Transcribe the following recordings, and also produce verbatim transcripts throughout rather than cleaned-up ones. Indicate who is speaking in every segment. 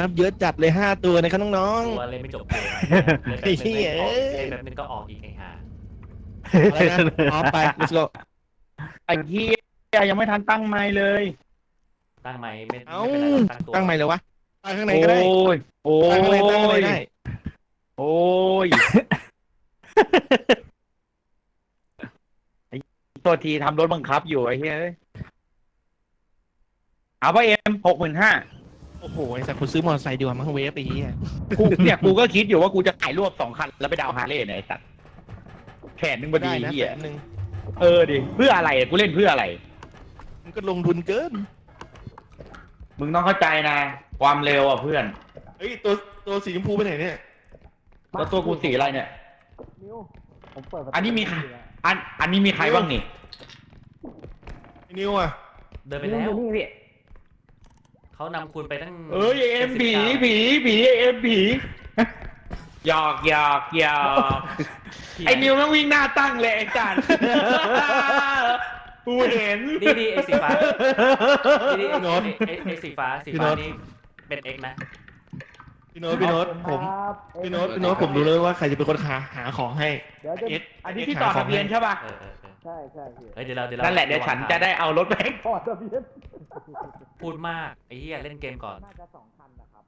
Speaker 1: เยอะจัดเลยห้าตัวนะครับน้อง
Speaker 2: ตัวเล่นไม่จบเกมเลย
Speaker 1: ไอ้เหี้ย
Speaker 2: แบบนึงแบบนึงก็ออกอีกไอ้ห่า
Speaker 1: ๆอะไรนะออฟไป let's go
Speaker 3: ไอ้เหี้ยยังไม่ทันตั้งไมค์เลย
Speaker 2: ตั้งไหมไม่
Speaker 1: เอ้า
Speaker 2: ไม่เป็นไรหรอกตั้งตัว
Speaker 1: ตั้งใหม่เลยวะตั้งข้างใน
Speaker 3: โอ้
Speaker 1: ก็ได้
Speaker 3: ยโอ้
Speaker 1: ตั้งข้างในตั้งข้างใน
Speaker 3: ย
Speaker 1: ได้
Speaker 3: โอ้ยไอ้ตัวทีทำรถบังคับอยู่ไอ้เหี้ยเอ้ยเอาไปเอ็มหกหมื่นห้า
Speaker 1: โอ้โหไอ้สัตว์กูซื้อมอเตอร์ไซค์ดีกว่ามั้งเวฟไอ้เหี้ย
Speaker 3: กูเนี่ยกูก็คิดอยู่ว่ากูจะขายรวบสองคันแล้วไปดาวฮาร์เลย์เนี่ยไอ้สัตว์แขนนึงพอดี
Speaker 1: ได้นะ
Speaker 3: เหี้
Speaker 1: แส
Speaker 3: ย
Speaker 1: นหนึ่ง
Speaker 3: เออดิเพื่ออะไรกูเล่นเพื่ออะไร
Speaker 1: มันก็ลงทุนเกิน
Speaker 3: มึงต้องเข้าใจนะ ความเร็วอ่ะเพื่อน
Speaker 1: เฮ้ยตัวตัวสีชมพูไปไหนเนี่ย
Speaker 3: แล้วตัวกูสีอะไรเนี่ย
Speaker 4: นิวผมเปิดประตู
Speaker 3: อันนี้มีใครอันอันนี้มีใครบ้างนี่
Speaker 1: ไอ้นิวอ่ะ
Speaker 2: เดินไปแล้ว
Speaker 4: นี่พี่
Speaker 2: เขานำคุณไปตั้ง
Speaker 3: เอ้ยเอ็มผีผีผีเอ็มผีหยอกหยอกหยอกไอ้นิวแม่งวิ่งหน้าตั้งเลยไอ้จันกูเห็น
Speaker 2: ดีดีไอ้สีฟ้าดีดีไอ้ไอ้ไอ้ไอ้สีฟ้าสีฟ้านี่เป็นเอ็กนะ
Speaker 1: พี่โน้ตพี่โน้ตผม
Speaker 4: ครับ
Speaker 1: พี่โน้ตพี่โน้ตผมรู้เลยว่าใครจะเป็นคนหาหาของให้
Speaker 4: เดี๋ยวจะ
Speaker 1: เอ็ด
Speaker 3: อันนี้ที่ต่อทะเบียนใช่ป่ะ
Speaker 2: เออเออเออ
Speaker 4: ใช่ใช่พี่
Speaker 2: เฮ้ยเดี๋ยวเราเดี๋ยวเรา
Speaker 3: นั่นแหละเดี๋ยวฉันจะได้เอารถไปให้
Speaker 4: พอทะเบียน
Speaker 2: พูดมากไอ้เหี้ยเล่นเกมก่อน
Speaker 4: น่าจะสองคันนะครับ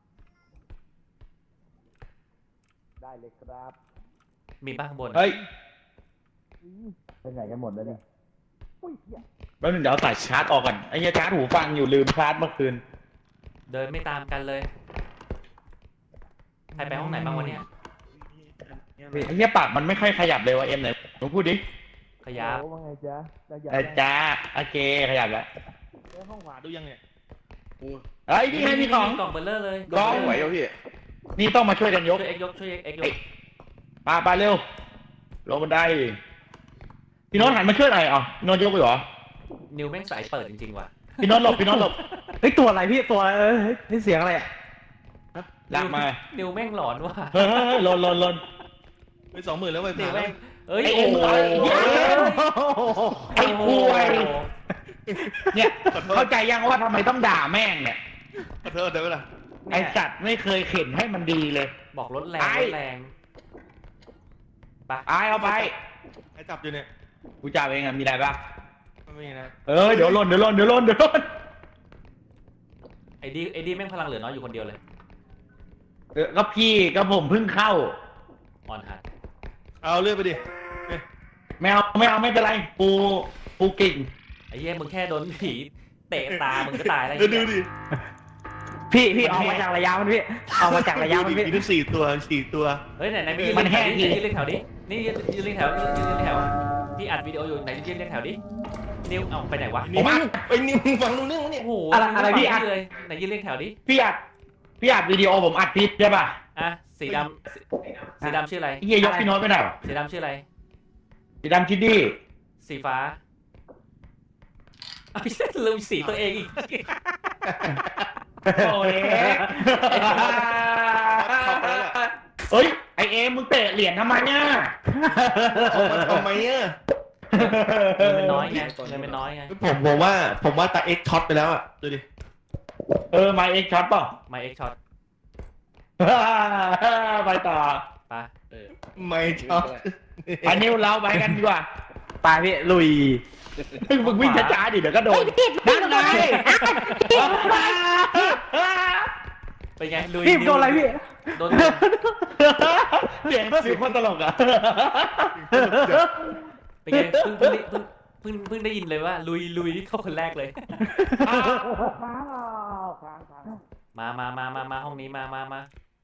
Speaker 4: ได้เลยครับ
Speaker 2: มีบ้างข้างบน
Speaker 3: เฮ้ย
Speaker 4: เป็นไงกันหมดแล้วเนี่ยอุ้ยเหี้ย
Speaker 3: แป๊บนึงเดี๋ยวเอาสายชาร์จออกก่อนไอ้เหี้ยชาร์จหูฟังอยู่ลืมชาร์จเมื่อคืน
Speaker 2: เดินไม่ตามกันเลยใครไปห้องไหนบ้างวันเนี้ย
Speaker 3: ไอ้เหี้ยปากมันไม่ค่อยขยับเลยวะเอ็มไหนมึงพูดดิ
Speaker 2: ขยับ
Speaker 4: โอ้ว่าไงจ๊ะจะอยาก
Speaker 3: เออจ้าโอเคขยับแล้ว
Speaker 1: เอ้ยห้องขวาดูยังเนี่ย
Speaker 3: เฮ้ยนี่ไงมีของ
Speaker 2: กล่องเบลเลอร์เลย
Speaker 3: กล่อง
Speaker 5: ไหวแล้วพี่
Speaker 3: นี่ต้องมาช่วยกันยก
Speaker 2: ช่วยเอ็กยกช่วยเอ็กยก
Speaker 3: ปาปาเร็วลงบันไดพี่โน้ตหันมาช่วยหน่อยอ๋อพี่โน้ตยกไปเหรอ
Speaker 2: นิวแม่งสายเปิดจริงๆว่ะ
Speaker 3: พี่โน้ตหลบพี่โน้ตหลบ
Speaker 4: เฮ้ยตัวอะไรพี่ตัวอะไรเอ้ยนี่เสียงอะไรอ่ะ
Speaker 3: ลากมา
Speaker 2: นิวแม่งหลอนว่ะ
Speaker 3: เฮ้ยเฮ้ยเฮ้ยหลนหลนหลน
Speaker 1: ไปสองหมื่นแล้วไป
Speaker 2: นิ
Speaker 1: ผ่าว นแล้
Speaker 2: แม่
Speaker 1: ว
Speaker 2: งเอ้ย
Speaker 3: ไอ้
Speaker 2: โอ้
Speaker 3: เอ็ม
Speaker 2: โห
Speaker 3: ไอ้คุยเนี่ยเข้าใจยังว่าทำไมต้องด่าแม่งเนี่ย
Speaker 1: ขอโทษได้ไหมล่ะ
Speaker 3: ไอ้สัตว์ไม่เคยเข็นให้มันดีเลย
Speaker 2: บอกรถแรง
Speaker 3: ไอ้
Speaker 2: รถแรงไป
Speaker 3: อายเอาไป
Speaker 1: ใครจับอยู่เนี่ย
Speaker 3: กูจ่ายเองอะมีอะไรบ้าง
Speaker 1: ไม่มีนะ
Speaker 3: เออเดี๋ยวหล่นเดี๋ยวหล่นเดี๋ยวหล่นเดี๋ยวหล่น
Speaker 2: ไอ้ดีไอ้ดีแม่งพลังเหลือน้อยอยู่คนเดียวเลย
Speaker 3: เออก็พี่ก็ผมเพิ่งเข้า
Speaker 2: อ่อนหัด
Speaker 1: เอาเลื่อนไปดิเนี่ย
Speaker 3: ไม่เอาไม่เอาไม่เป็นไรปูปูกิ่ง
Speaker 2: ไอ้เหี้ยมึงแค่โดนผีเตะตามึงก็ตายแล้ว
Speaker 1: เดี๋ยวดูดิ
Speaker 4: พี่พี่ออกมาจากระยะมันพี่ออกมาจากระยะมัน
Speaker 1: ดูดิ
Speaker 4: พี่
Speaker 1: มีทั้งสี่ตัวสี่ตัว
Speaker 2: เฮ้ยไหนไหนไม่ยืนเรียงแถวดิยืนเรียงแถวดินี่ยืนยืนเรียงแถวยืนยืนเรียงแถวพี่อัดวิดีโออยู่ไหนยืนเรียงแถวดินิวเอาไปไหนวะ
Speaker 1: นี่ไอ้นี่มึงฟังรู้เรื่องมั้ยเนี่ย
Speaker 2: โอ้โห
Speaker 4: อะไรอะไรพี่
Speaker 2: อั
Speaker 4: อั
Speaker 2: ด
Speaker 4: ด
Speaker 2: เลยไหนยืนเรียงแถวดิ
Speaker 3: พี่อัดพี่อัดวิดีโอผมอัดพิษใช่ป่ะ
Speaker 2: อ่ะสีดำสีสีดำชื่ออะไร
Speaker 3: เฮียยกพี่โน้ตไปหน่อย
Speaker 2: สีดำชื่ออะไร
Speaker 3: สีดำคิดดี้
Speaker 2: สีฟ้าไอ้เหี้ยลืมสีตัวเองอีก
Speaker 3: โอ้ยเฮ้ยไอเอ็มมึงเตะเหรียญทำไมเนี่ย
Speaker 1: ทำไมอ่ะ
Speaker 2: เงินมันน้อยไงเงินมันน้อยไง
Speaker 1: ผมผมว่าผมว่าตาเอ็กช็อตไปแล้วอ่ะดูดิ
Speaker 3: เออมาเอ็กช็อตป่ะ
Speaker 2: ไมเอ็กช็อต
Speaker 3: ไปต่อ
Speaker 2: ไปเออ
Speaker 1: ไม่ช็อต
Speaker 3: อันนี้เราไปกันดีกว่า
Speaker 4: ไปพี่ลุย
Speaker 3: มึงวิ่งช้าๆดิเดี๋ยวก็โดนนั่นไง
Speaker 2: เป็นไงลุย
Speaker 4: พี่โดนอะไรพี่
Speaker 2: โดน
Speaker 3: เสียงเสียงคนตลกอ่ะ
Speaker 2: เป็นไงเพิ่งเพิ่งได้เพิ่งเพิ่งเพิ่งได้ยินเลยว่าลุยลุยเข้าคนแรกเลย
Speaker 4: ค้างค้างค้าง
Speaker 2: มามามามามาห้องนี้มามามา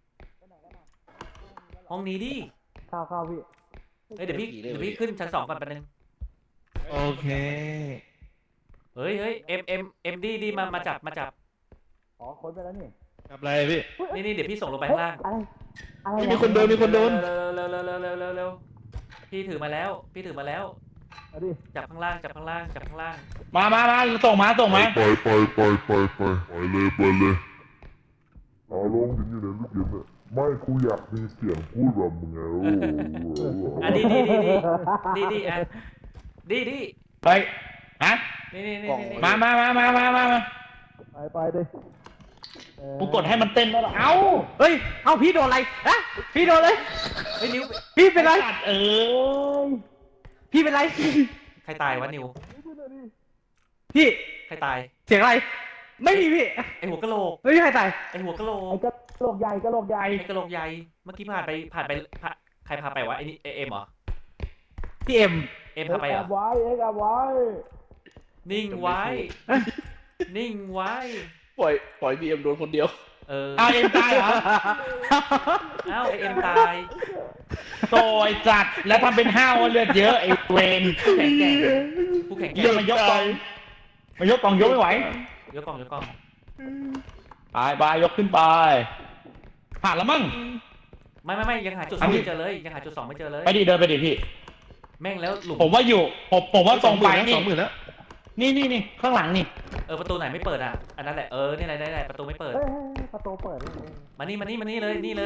Speaker 2: ห้องนี้ดิ
Speaker 4: เข้าเข้าพี่
Speaker 2: เฮ้ยเดี๋ยวพี่เดี๋ยวพี่ขึ้นชั้นสองก่อนแป๊บนึง
Speaker 1: โอเค
Speaker 2: เฮ้ยเฮ้ยเอ็มเอ็มเอ็มดีดีมามาจับมาจับ
Speaker 4: อ๋อค้นไปแล้วนี่
Speaker 1: กับอะไรพี่
Speaker 2: นี่นี่เดี๋ยวพี่ส่งลงไปข้างล่าง
Speaker 4: อะไรอะไร
Speaker 1: มีคนโดนมีคนโดน
Speaker 2: เร็วเร็วเร็วเร็วเร็วเร็วเร็วพี่ถือมาแล้วพี่ถือมาแล้ว
Speaker 4: เอาดิ
Speaker 2: จับข้างล่างจับข้างล่างจับข้างล่าง
Speaker 3: มามามาส่งมาส่งมา
Speaker 5: ไปไปไปไปไปไปเลยไปเลยเอาลงอยู่ในลูกเย็นเนี่ยไม่กูอยากมีเสียงพูดแบบมึงไงโอ้โห
Speaker 2: อ่ะดีดีดีดีดีดีอ่ะดีดี
Speaker 3: เฮ้ยฮะ
Speaker 2: นี่นี่นี่นี่
Speaker 3: มามามามามามามา
Speaker 4: ไปไปดิ
Speaker 3: กูกดให้มันเต้นแล้วเหรอเอ้า
Speaker 4: เฮ้ย เอ้าพี่โดนอะไรอะพี่โดนเลย
Speaker 2: เฮ้ยนิว
Speaker 4: พี่เป็นไร
Speaker 3: สัตว์เอ้ย
Speaker 4: พี่เป็นไร
Speaker 2: ใครตายวะนิว
Speaker 4: พี่
Speaker 2: ใครตาย
Speaker 4: เสียงอะไร ไม่มีพี่
Speaker 2: ไอหัวกะโหลก
Speaker 4: ไม่มีใครตาย
Speaker 2: ไอหัวกะโหล
Speaker 3: ไอ้
Speaker 2: ก
Speaker 3: กระโหลกใหญ่กระโหลกใหญ่
Speaker 2: ไอกะโหลกใหญ่เมื่อกี้ผ่านไปผ่านไปผ่านใครพาไปวะไอนี่เอ็มเหรอ
Speaker 4: พี่เอ็ม
Speaker 2: เอ็มพาไปเหรอ
Speaker 3: ไว้เอ็กเอาไว้
Speaker 2: นิ่งไว้ นิ่งไว้
Speaker 1: ปล่อยปล่อยบีเอ็มโดนคนเดียว
Speaker 2: เออ
Speaker 3: เอาเอ็มตายเหรอ
Speaker 2: เอ้าไอเอ็มตาย
Speaker 3: โตไอ้จัดแล้วทำเป็นห้าวว่าเลือดเยอะไอ้เวน
Speaker 2: แข็งแกร่งผู้แข็งแก
Speaker 3: เยี่ย
Speaker 2: ร่ง
Speaker 3: มายกกองมายกกองยกไม่ไหวย
Speaker 2: กกล้องยกกล้อง
Speaker 3: ไปไปยกขึ้นไปผ่านแล้วมั้ง
Speaker 2: ไม่ไม่ไม่ยังหาจุดสองไม่เจอเลยยังหาจุดสองไม่เจอเลย
Speaker 3: ไปดิเดินไปดิพี่
Speaker 2: แม่งแล้วหลุม
Speaker 3: ผมว่าอยู่ผมผมว่าตรงไป
Speaker 1: สองหมื่นแล้ว
Speaker 3: นี่นี่นี่ข้างหลังนี่
Speaker 2: เออประตูไหนไม่เปิดอ่ะอันนั้นแหละเออนี่ไหนไหนประตูไม่เปิด
Speaker 4: ประตูเปิด
Speaker 2: มานี่มานี่มานี่เลยนี่เลย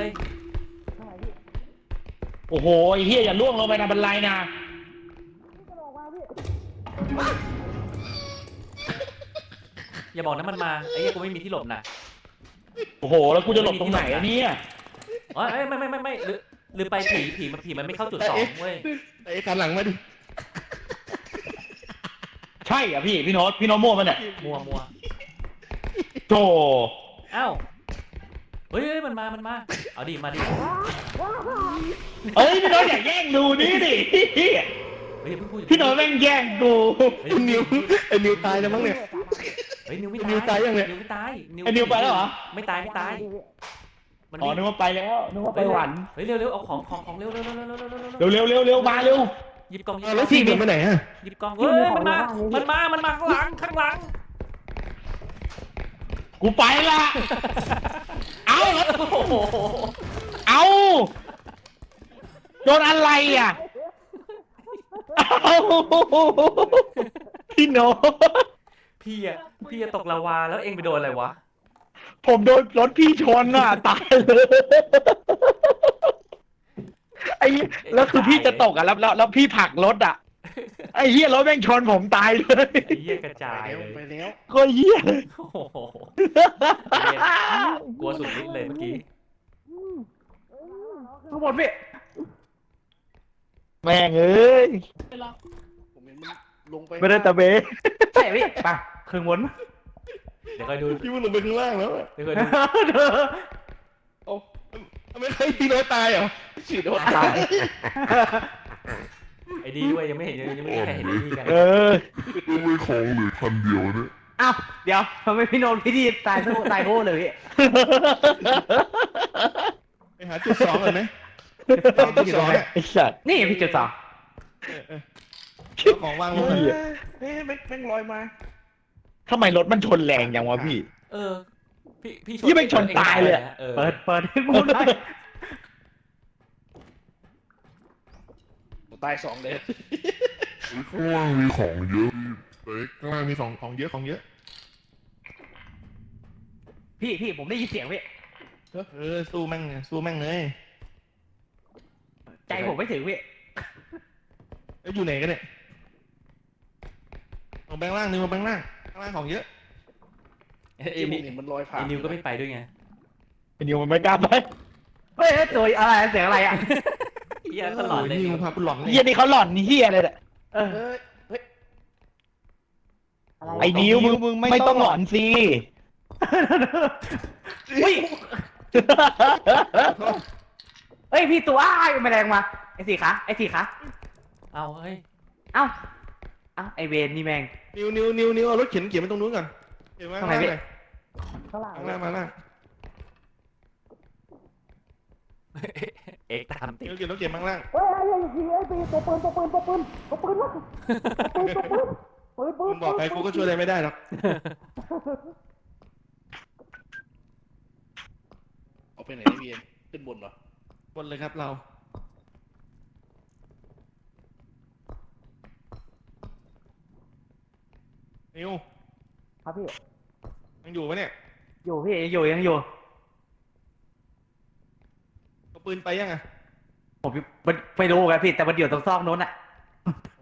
Speaker 3: โอ้โหไอ้เฮียอย่าล่วงลงไปนะบันไดนะ
Speaker 2: อย่าบอกนะมันมาไอ้เหี้ยกูไม่มีที่หลบนะ
Speaker 3: โอ้โหแล้วกูจะหลบตรงไหนอะเนี่ย
Speaker 2: อ๋อเอ้ยไม่ไม่ไม่ไม่หรือหรือไปผีผีมันผีมันไม่เข้าจุดสองเว้ย
Speaker 1: ไอ้คันหลังมาดิ
Speaker 3: ใช่เหรอ่ะพี่พี่โน้ตพี่โน้ตมั่วมันเนี่ย
Speaker 2: มัวมัว
Speaker 3: โธ่
Speaker 2: เอ้าเฮ้ยเฮ้ยมันมามันมาเอาดิมาดิ
Speaker 3: เอ้ยพี่โน้ตอย่าแย่งดูนี่ดิ
Speaker 2: เฮ้ยเพิ่งพูด
Speaker 3: พี่โน้ตแม่งแย่งกู
Speaker 2: เฮ้ย
Speaker 1: ไอ้นิวไอ้นิวตายแล้วมั้งเนี่ย
Speaker 2: เฮ้ยนิวไม่
Speaker 1: นิวตายยังเนี่ย
Speaker 2: นิวไม่ตาย
Speaker 3: ไอ้นิวไปแล้วเหรอ
Speaker 2: ไม่ตายไม่ตายมัน
Speaker 3: อ๋อ
Speaker 2: วิ่ง
Speaker 3: นึกว่าไปแล้วนึกว่าไปหวัน
Speaker 2: เฮ้ยเร็วเร็วเอาของของของเร็วเร็วเร็วเร็วเร็วเร็วเร็ว
Speaker 3: เร็วเร็วเร็วเร็วมาเร็ว
Speaker 2: หยิบกล่องหยิบ
Speaker 1: อ้าว
Speaker 2: ก
Speaker 1: แล้
Speaker 2: ล่
Speaker 1: ว
Speaker 2: อง
Speaker 1: พี่เดินไปไหนอะ
Speaker 2: หยิบกล่องเฮ้ยมันมามันมามันมาข้างหลังข้างหลัง
Speaker 3: กูไปละเอา
Speaker 2: โอ้โห
Speaker 3: เอาโดนอะไรอ่ะเอาพี่โน้ต
Speaker 2: พี่อะพี่อะตกลาวาแล้วเองไปโดนอะไรวะ
Speaker 3: ผมโดนรถพี่ชนอ่ะตายเลยไอ้แล้วคือพี่จะตกอ่ะแล้วแล้วแล้วพี่ผลักรถอ่ะไอ้เหี้ยรถแม่งชนผมตายเลย
Speaker 2: ไอ้เหี้ยกระจาย
Speaker 1: ไป
Speaker 2: เลย
Speaker 1: ไปแล้ว
Speaker 3: โคตรเหี้ยเลย
Speaker 2: โอ้โหเหี้ยกลัวสุดฤทธิ์เลยเมื่อกี้
Speaker 4: ข้างบนพี่
Speaker 3: แม่งเอ้ย
Speaker 1: ผมเห็นมันลงไป
Speaker 3: ไม่ได้ตะเบ
Speaker 4: ใช่พี่ไปครึ่งบน
Speaker 2: เดี๋ยวคอยดู
Speaker 1: พี่มันลงไปข้างล่างแล้วอะ
Speaker 2: เดี๋ยวคอยดู
Speaker 1: โอ้ไม่เคยพี่โน้ตตายเหรอฉีดโน้ตตาย
Speaker 2: ไอ้ดีด้วยยังไม่เห็นยังไม่มีใครเห็นไอ้ดีกัน
Speaker 3: เออ
Speaker 5: ก็ไม่ของเหลือคันเดียวเนี่ย
Speaker 4: อ้าวเดี๋ยวทำไมพี่โนนพี่ดีตายทั้งตายโง่เลยพี่
Speaker 1: ไปหาจุดสองก่อนไหมจุดสองเนี่ย
Speaker 3: ไอ้สัตว์
Speaker 4: นี่พี่จุดสอง
Speaker 1: เอาของวางลง
Speaker 3: เหี้ย
Speaker 1: เฮ้ยแม่งแม่งลอยมา
Speaker 3: ทำไมรถมันชนแรงจังวะพี่
Speaker 2: เออพี่พี่
Speaker 3: ยี่ไม่ชนตายเลยอะ
Speaker 2: เออ
Speaker 4: เปิดเปิดให้กูได้
Speaker 1: ตายสองเลย
Speaker 5: ข้างล่างมีของเยอะเต็ก
Speaker 1: ข้างล่างมีของของเยอะของเยอะ
Speaker 4: พี่พี่ผมได้ยินเสียงพี่
Speaker 1: เออสู้แม่งสู้แม่งเลย
Speaker 4: ใจผมไม่ถึงพี่
Speaker 1: เอ้ยอยู่ไหนกันเนี่ยลงแบงค์ล่างนึงมาแบงค์ล่างข้างล่างของเยอะ
Speaker 2: ไอ้
Speaker 1: ไอ้
Speaker 2: นิว
Speaker 1: นี่มันลอยผ่าน
Speaker 2: ไอ้นิวก็ไม่ไปด้วยไง
Speaker 3: ไอ้นิวมันไม่กล้าไป
Speaker 4: เฮ้ยตัวอะไรเสียงอะไรอ่ะ
Speaker 2: เหี้ยตลอดเลย
Speaker 1: นิวพาคุณหลอน
Speaker 3: เฮียนี่เขาหล่อนเฮียเลยแหละ
Speaker 4: เออ
Speaker 1: เฮ้ยเฮ้ย
Speaker 3: ไอ้นิวมึงมึงไม่ต้องหล่อนสิ
Speaker 4: อุ้ยเฮ้ยพี่ตัวอ้ายแมลงมาไอ้สี่ขาไอ้สี่ขา
Speaker 2: เอาเฮ้ย
Speaker 4: เอ้าเอ้าไอเวนนี่แมง
Speaker 1: นิวนิวนิวนิวเอารถเข็นเข็นไปตรงนู้นก่อนเข็นมา
Speaker 4: ตรงไหนพี่
Speaker 1: ข้างล่างข้างล่างมาล่าง
Speaker 2: เอกตามติด
Speaker 1: นิวเข็นรถเข็นมาข้างล่าง
Speaker 4: เฮ้ยไอ้ยิงไอ้ปีตัวปืนตัวปืนตัวปืนตัวปืนวะปืนตัวปืนปืนปื
Speaker 1: มึ
Speaker 4: น
Speaker 1: งบอกใครกูก็ช่วยอะไรไม่ได้หรอกเอาไปไหนพี่เอ็นขึ้นบนเหรอบนเลยครับเรานิว
Speaker 4: ครับพี่
Speaker 1: ยังอยู่ปะเนี่ย
Speaker 4: อยู่พี่อยู่ยังอยู่
Speaker 1: เอาปืนไปยังอ่ะ
Speaker 4: ผมมันไปดูกันพี่แต่มันอยู่ตรงซอกนู้นอ่ะ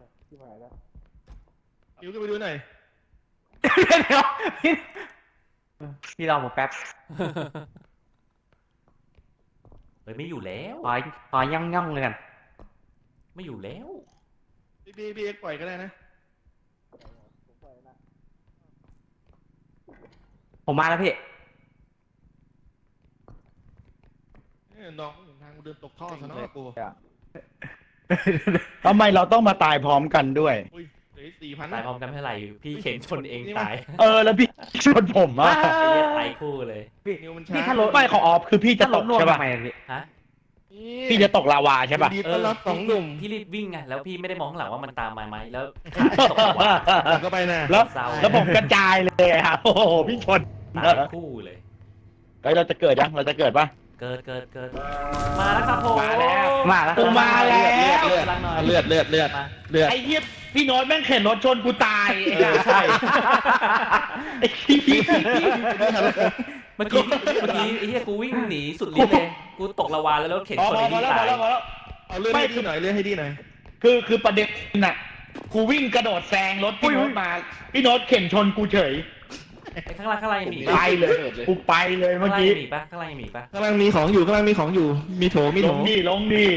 Speaker 1: นิวก็ไปดูหน่อย
Speaker 4: เดี๋ยวพี่
Speaker 3: พี่รอผมแป๊บ
Speaker 2: เฮ้ยไม่อยู่แล้ว
Speaker 3: ขอขอย่องย่องเลยกัน
Speaker 2: ไม่อยู่แล้ว
Speaker 1: พี่พี่พี่เอ็กซ์ปล่อยก็ได้นะ
Speaker 3: ผมมาแล้วพี่
Speaker 1: เอ้ยน้องไม่เห็นทางกูเดินตกท่อซะเนาะกู
Speaker 4: ทำไมเราต้องมาตายพร้อมกันด้วย
Speaker 1: อุ้ยเหลือสี่พัน
Speaker 2: ตายพร้อมกันไม่เท่าไหร่พี่เข็นชนเองตาย
Speaker 4: เออแล้วพี่ชนผมอ่ะ
Speaker 2: ไอ้เหี้ยตายคู่เลย
Speaker 1: นิวมันช้า
Speaker 3: พี่ถ้ารถ
Speaker 4: ไม่ของออฟคือพี่จะตกใช่ป่ะ
Speaker 3: ทำไมอะพี่
Speaker 2: ฮะ
Speaker 4: พี่จะตกลาวาใช่ป่ะ
Speaker 1: ดีต้อนรับสองหนุ่ม
Speaker 2: พี่รีบวิ่งไงแล้วพี่ไม่ได้มองข้างหลังว่ามันตามมาไหมแล้วตกว่า
Speaker 1: ผมก็ไปนะ
Speaker 4: แล้ว
Speaker 2: เศร้า
Speaker 4: แล้วผมกระจายเลยครับโอ้โหพี่ชน
Speaker 2: ตายคู่เลย
Speaker 4: เฮ้ยเราจะเกิดยังเราจะเกิดป่ะ
Speaker 2: เกิดเกิดเกิดมาแล้วครับผม
Speaker 4: มาแล้ว
Speaker 3: มาแล้ว
Speaker 4: กูมาแล้ว
Speaker 1: เลือด
Speaker 2: กำลังหน่อย
Speaker 1: เลือดเลือดเลือด
Speaker 2: มา
Speaker 1: เลือด
Speaker 4: ไอ้เหี้ยพี่โน้ตแม่งเข็นรถชนกูตาย
Speaker 1: เออใช่
Speaker 4: ไอ้เหี้ย
Speaker 2: เมื่อกี้เมื่อกี้ไอ้เหี้ยกูวิ่งหนีสุดฤทธิ์เลยกูตกละวาแล้วแล้วเข็น
Speaker 4: พอ
Speaker 2: ชน
Speaker 4: พอ
Speaker 2: ไอ้
Speaker 4: พอ
Speaker 2: นี่
Speaker 4: แล้วพ
Speaker 2: ตา
Speaker 4: อย แล้วพอแล้ว
Speaker 1: เอาเลือดให้ดีหน่อยเลือดให้ดีหน่อย
Speaker 4: คือคือประเด็นน่ะกูวิ่งกระโดดแซงรถพี่โน้ตมาพี่โน้ตเข็นชนกูเฉย
Speaker 2: ไอ้ข้างล่างข้างล่างยังมี
Speaker 4: ไปเลยกูไปเลยเมื่
Speaker 2: ข้า
Speaker 4: อง
Speaker 2: ล่าง
Speaker 4: กี้
Speaker 2: ยังมีปะข้างล่างยังมีปะ
Speaker 1: กำลังมีของอยู่กำลังมีของอยู่ มีโถมี
Speaker 4: ล
Speaker 1: โถ
Speaker 4: งดีลงดี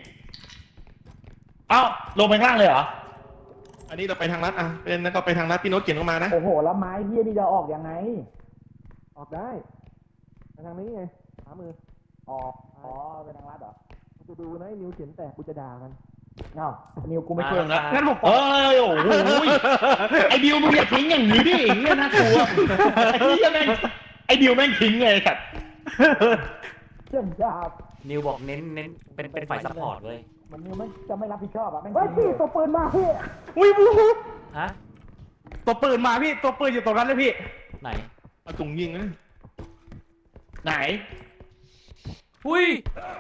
Speaker 4: เอ้าลงไปข้างล่างเลยเหรอ
Speaker 1: อันนี้เราไปทางลัดอ่ะเป็นแล้วก็ไปทางลัดพี่โน้ตเขียนเข้ามานะ
Speaker 4: โอ้โหแล้วไม้เหี้ยนี่จะออกยังไง
Speaker 1: ออกได้ไปทางนี้ไงขวามือ
Speaker 4: ออกอ๋อไปทางลัดเหรอ
Speaker 1: กูจะดูนะไอ้นิวเขียนแต่กูจะด่ามัน
Speaker 4: เอ้านิวกูไม่
Speaker 2: มา
Speaker 4: ช่วยมึงแล้ว
Speaker 2: มา
Speaker 4: งั้นผมเอ้ยโอ้โหไอ้ดิวมึงอย่าทิ้งอย่างนี้ดิไอ้เหี้ยน่ากลัวไอ้เหี้ยแม่งไอ้ดิวแม่งทิ้งเลยครับเชื่อจ้า
Speaker 2: นิวบอกเน้นเน้นเป็นเป็นฝ่ายซัพพอร์ตเว้ย
Speaker 4: มันนิวไม่จะไม่รับผิดชอบอ่ะแม่งเฮ้ยพี่ตัวปืนมาพี่
Speaker 1: อุ้ยบู
Speaker 2: ฮะ
Speaker 3: ตัวปืนมาพี่ตัวปืนอยู่ตรงนั้นเลยพี่
Speaker 2: ไหน
Speaker 1: เอาถุงยิงนะ
Speaker 4: ไหน
Speaker 2: อุ้ย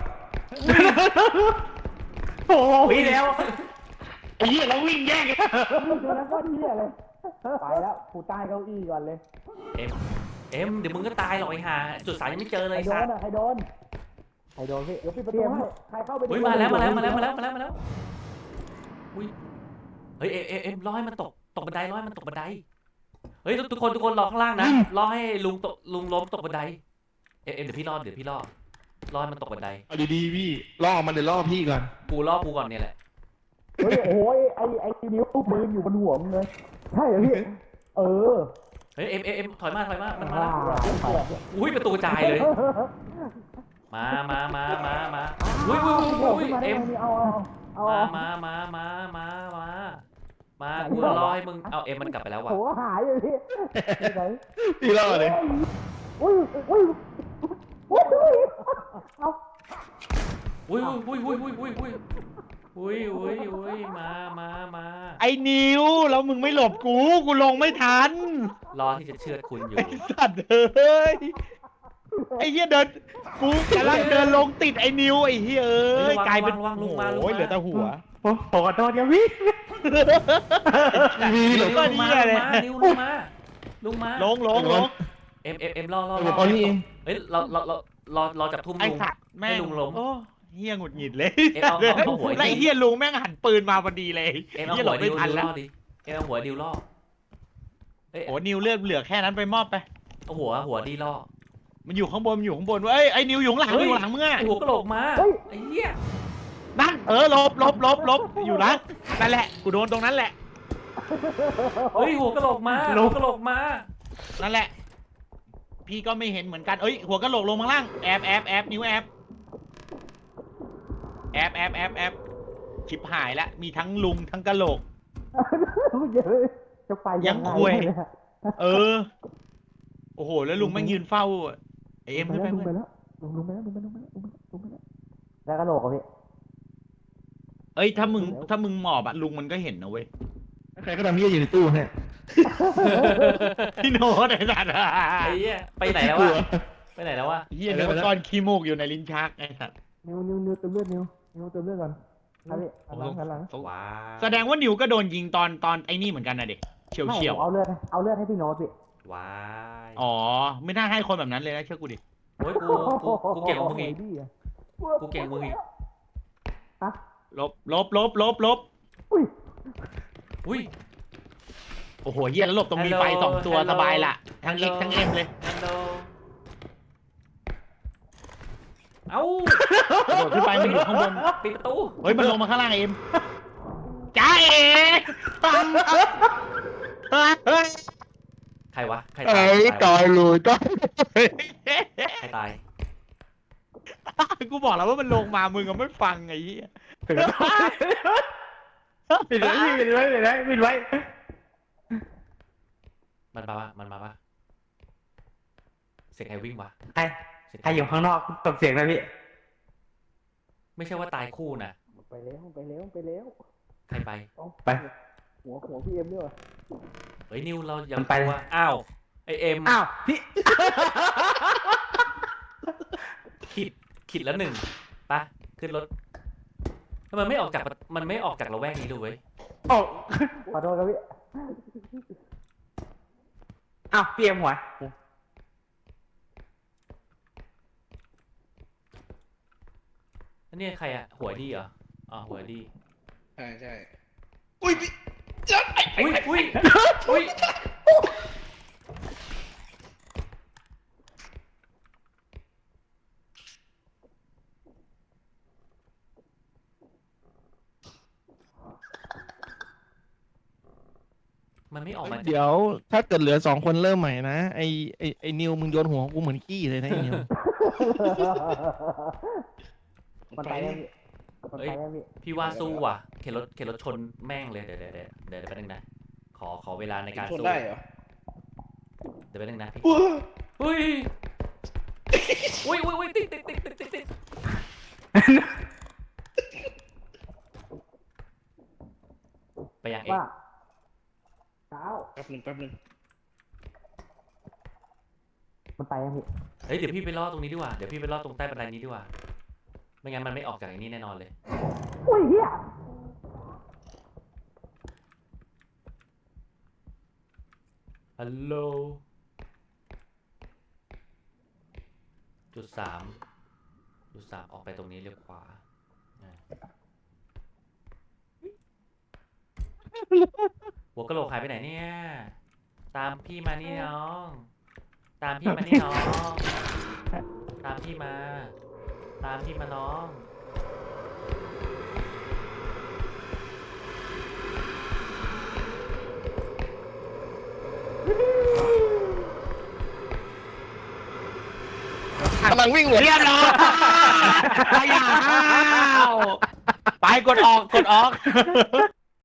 Speaker 3: โอ้ยแล้ว
Speaker 4: ไอ้เหี้ยแล้ววิ่งแย่งกัน
Speaker 6: ตัวนั้นก็เหี้ยเลย ไปแล้วกูใต้เก้าอี้ก่อนเลย
Speaker 2: เอ็มเอ็มเดี๋ยวมึงก็ตายหรอกไอ้ห่าจุดสายยังไม่เจอเลย
Speaker 6: ใครโด
Speaker 2: สั
Speaker 6: น
Speaker 2: ตว์
Speaker 6: อ่ะใครโดน ใครโดนพี่ เดี๋ยวปิดประตูให้ใครเข้าไปดู
Speaker 2: เฮ้ยมาแล้วมาแล้วมาแล้วมาแล้วมาแล้วมาแล้วอุ้ยเฮ้ยเอ็มเอ็มเอ็มรอให้มันตกตกบันไดรอให้มันตกบันไดเฮ้ยทุกทุกคนทุกคนรอข้างล่างนะรอให้ลุงตกลุงล้มตกบันไดเอ็มเอ็มเดี๋ยวพี่รอเดี๋ยวพี่รอรอให้มันตกบันได
Speaker 1: เอาดีๆพี่ล่อมันเดี๋ยวล่อพี่ก่อน
Speaker 2: กูล่อกูก่อนเนี่ยแหละ
Speaker 6: เฮ้ยโอ้ยไอ้ไอ้นิ้วปืนอยู่บนหัวมึงเลย ใช่เหรอพี่ เออ
Speaker 2: เฮ้ยเอ็มเอ็มเอ็มถอยมาถอยมามันมา
Speaker 6: ว้า
Speaker 2: แล้วอุ้ยประตูจ่ายเลย มามามามามาอุ้ยอุ้ยอุ้ยอุ้ยเอ็ม
Speaker 6: เอาเอาเอา
Speaker 2: มามามามามามามากูรอให้มึงเอาเอ็มมันกลับไปแล้วว่ะ
Speaker 6: โหหายเลยพี่ไหน
Speaker 1: พี่ล่อเลย
Speaker 6: อุ้ยอุ้ยอุ้ยเอา
Speaker 2: อุ้ยอุ้ยอุ้ยอุ้ยอุ้ยอุ้ยอุ้ยอุ้ยอุ้ยมามามา
Speaker 4: ไอ้นิวแล้วมึงไม่หลบกูกูลงไม่ทัน
Speaker 2: รอที่จะเชือดคุณอยู่
Speaker 4: ไอ้สัตว์เอ้ยไอ้เหี้ยเดินกูกำลังเดินลงติดไอ้นิวไอ้เหี้ยเอ้ยกลายเป็น
Speaker 2: ระวังลุงมาลุง
Speaker 4: โอ้ย
Speaker 2: มา
Speaker 4: เหลือแต่หัว
Speaker 3: โอ้ขอโทษครับพี่
Speaker 1: พี่
Speaker 2: ลุ
Speaker 1: หล
Speaker 2: ง
Speaker 1: บ
Speaker 2: มาลุงมาลุงมาลุงมา
Speaker 4: ลงลงลง
Speaker 2: เอ็มเอ็มเอ็มรอรอ
Speaker 1: ห
Speaker 2: ร
Speaker 1: ล
Speaker 2: อบ
Speaker 1: เอานี่เอง
Speaker 2: เฮ้ยเราเราเรารอรอจับทุ่ม
Speaker 4: ไอ้
Speaker 2: ลุง
Speaker 4: สัตว์แม่
Speaker 2: ให้
Speaker 4: ง
Speaker 2: ลุงล้ม
Speaker 4: โอ้เหี้ยหงุดหงิดเลย
Speaker 2: เอ็มเอาเอาเอาหัว
Speaker 4: แล้วไอ้เหี้ยลุงแม่งหันปืนมาพอดีเลย
Speaker 2: เอ็มเอา
Speaker 4: เหี้ยหล
Speaker 2: หัว
Speaker 4: บ
Speaker 2: ดิ
Speaker 4: ไม่
Speaker 2: ว
Speaker 4: ทัน
Speaker 2: ดิว
Speaker 4: แล้
Speaker 2: ล่
Speaker 4: ว
Speaker 2: อดิเอ็มเอาหัวดิวล่อเอ้ย
Speaker 4: โอ้นิวเลือดเหลือแค่นั้นไปมอบไป
Speaker 2: เอาหัวหัวดีล่อ
Speaker 4: มันอยู่ข้างบนมันอยู่ข้างบนเว้ยไอ้นิวอยู่ข้างหลังอยู่ข้างหลังมึงอะ
Speaker 2: ไอหัวกระโหลกมาไอ้เหี้ย
Speaker 4: นั่นเออลบลบลบลบอยู่นะนั่นแหละกูโดนตรงนั้นแหละ
Speaker 2: เฮ้ยหัวกระโหลกมาหัวกระโหลกมา
Speaker 4: นั่นแหละ พี่ก็ไม่เห็นเหมือนกันเอ้ยหัวกะโหลกลงมาล่างแอบแอบแอบนิ้วแอบแอบแอบแอบแอบชิบหายแล้วมีทั้งลุงทั้งกะโหลก
Speaker 6: เยอะจะไปยังไง
Speaker 4: เออโอ้โหแล้วลุงแม่งยืนเฝ้าไอเอ็มขึ้นไป
Speaker 6: ลงไป
Speaker 4: เพื่อน
Speaker 6: แล้วลงลงไปแล้วลงไปลงไปแล้วลงไปลงไปแล้วแล้วกระโหลกอ่ะพี่
Speaker 4: เอ้ยถ้ามึงถ้ามึงหมอบอะลุงมันก็เห็นนะเว้ย
Speaker 1: ใครก็ทำเหี้ยอยู่ในตู้เนี่ย
Speaker 4: พี่โน้ตไอ้สัตว์
Speaker 2: ไอ้เหี้ยไปไหนแล้ว
Speaker 1: กลั
Speaker 2: วะ
Speaker 1: ว
Speaker 2: ไปไหนแล้ววะ
Speaker 4: เฮียเดี๋ยวก้อนขี้มูกอยู่ในลิ้นชักไอ้สัตว์
Speaker 6: นิวนิวนิวเติมเลือดนิวนิวเติมเลือดก่อนครับพี่หันหลังหันหลัง
Speaker 2: ว้า
Speaker 4: แสดงว่านิวก็โดนยิงตอนตอนไอ้นี่เหมือนกันนะเด็กเฉียว
Speaker 6: ไม่
Speaker 4: เฉียว
Speaker 6: ผมเอาเลือดให้เอาเลือดให้พี่โน้ตพี่
Speaker 2: ว้าย
Speaker 4: อ๋อไม่น่าให้คนแบบนั้นเลยนะเชื่อกูดิ
Speaker 2: โอ้ยกูกูกูเก่งกว่ามึงอีก
Speaker 6: ดีอ่ะ
Speaker 2: กูเก่งกว่ามึงอีก
Speaker 6: ฮะ
Speaker 4: ลบลบลบลบลบ
Speaker 6: อุ้ย
Speaker 2: อุ้ย
Speaker 4: โอ้โหเฮียแล้วหลบตรงมีไฟ
Speaker 2: Hello
Speaker 4: สองตัว
Speaker 2: Hello
Speaker 4: สบายละทั้งเอ็ก
Speaker 2: Hello
Speaker 4: ทั้งเอ็มเลย
Speaker 2: ฮัลโหลโหลเอ้าก
Speaker 4: ระโดดขึ้นไปมันอยู่ข้างบน
Speaker 2: ปิดประตู
Speaker 4: เฮ้ยมันลงมาข้างล่างเอ็มจ้าเอ๋
Speaker 2: ใครวะใครตาย
Speaker 3: ตายเลยตาย
Speaker 2: ใครตาย
Speaker 3: กูบอกแล้วว่ามันลงมามึงก็ไม่ฟังไอ้เหี้ย
Speaker 6: ปิดไว้พี่ปิดไว้ปิดไว้ปิดไว้
Speaker 2: มันมาปะมันมาปะเสียงใครวิ่งวะ
Speaker 6: ใครใครอยู่ข้างนอกตบเสียงนะพี่
Speaker 2: ไม่ใช่ว่าตายคู่นะ
Speaker 6: ไปแล้วไปแล้วไปแล้ว
Speaker 2: ใครไป
Speaker 6: ไปหัวหัวพี่เอ็มด้วย
Speaker 2: เฮ้ยนิวเราอย่า
Speaker 6: มันไป
Speaker 2: กลัวอ้าวไอเอ็ม
Speaker 6: อ้าวพี่
Speaker 2: ขิดขิดแล้วหนึ่งปะขึ้นรถทำไมไม่ออกจากมันไม่ออกจากระแวกนี้ดูเว้ย
Speaker 6: โอ้ขอโทษครับพี่อ้าวพี่เอ็มหัว
Speaker 2: แล้วนี่ใครอะหัวดีเหรออ๋อหัวดี
Speaker 1: ใช่ใช่อุ้ยพี่จ๊ะไอ้
Speaker 2: อุ้ยอุ้ยอุ้ย มันไม่ออกมา
Speaker 1: เดี๋ยวถ้าเกิดเหลือสองคนเริ่มใหม่นะไอไอไอนิวมึงโยนหัวกูเหมือนขี้เลยนะไอนิว
Speaker 6: มันไปแล้วพี่มันไปแล้วพี่
Speaker 2: พี่ว่าสู้ว่ะเข็นรถเข็นรถชนแม่งเลยเดี๋ยวเดี๋ยวเดี๋ยวเดี๋ยวแป๊บนึงนะขอขอเวลาในการ
Speaker 1: ชน
Speaker 2: สู้
Speaker 1: ได้เหรอ
Speaker 2: เดี๋ยวแป๊บนึงนะพี่อุ้ยอุ้ยอุ้ยอุ้ยติดติดติดติดติดติดไปยังเอ็
Speaker 6: ว่าเช้า
Speaker 1: แป๊บนึงแป๊บนึง
Speaker 6: มันไปแล้วพี่
Speaker 2: เฮ้ยเดี๋ยวพี่ไปรอตรงนี้ดีกว่าเดี๋ยวพี่ไปรอตรงใต้บันไดนี้ดีกว่าไม่งั้นมันไม่ออกจากไอ้นี้แน่นอนเลย
Speaker 6: อุ้ยเฮีย
Speaker 2: ฮัลโหลจุดสามจุดสามออกไปตรงนี้เลี้ยวขวาอ่าหัวกะโหลกหายไปไหนเนี่ย ตามพี่มานี่น้อง ตามพี่มานี่น้อง ตามพี่มา ตามพี่มาน้อง
Speaker 1: กำลังวิ่งเลย
Speaker 3: เรียบร้อยไปอ่ะไปกดออกกดออก